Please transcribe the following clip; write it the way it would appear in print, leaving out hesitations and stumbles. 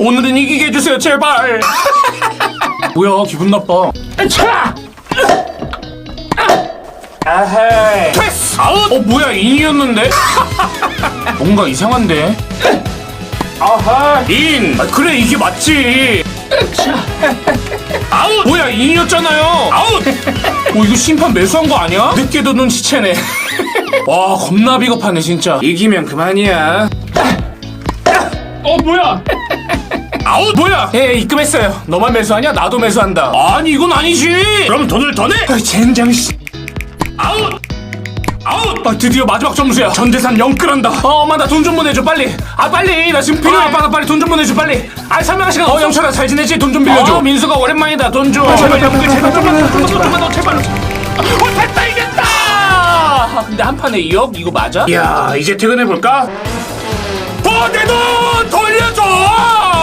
오늘은 이기게 해주세요 제발. 뭐야 기분 나빠. 차! 아헤이 패스! 아웃! 뭐야 인이었는데? 뭔가 이상한데? 아하 인! 그래 이게 맞지. 아웃! 뭐야 인이었잖아요. 아웃! 이거 심판 매수한 거 아니야? 늦게도 눈치채네. 와 겁나 비겁하네 진짜. 이기면 그만이야. 뭐야? 아웃! 뭐야? 입금했어요. 너만 매수하냐? 나도 매수한다. 아니 이건 아니지. 그럼 돈을 더 내? 젠장 씨. 아웃! 아웃! 드디어 마지막 점수야. 전재산 0끌한다. 엄마 나 돈 좀 보내줘 빨리. 빨리 나 지금 필요해. 아빠 나 빨리 돈 좀 보내줘 빨리. 설명할 시간 없어. 영철아 잘 지내지? 돈 좀 빌려줘. 민수가 오랜만이다. 돈 줘. 제발 좀만. 됐다 이겼다. 근데 한 판에 2억? 이거 맞아? 야 이제 퇴근해볼까? 내 돈 돌려줘.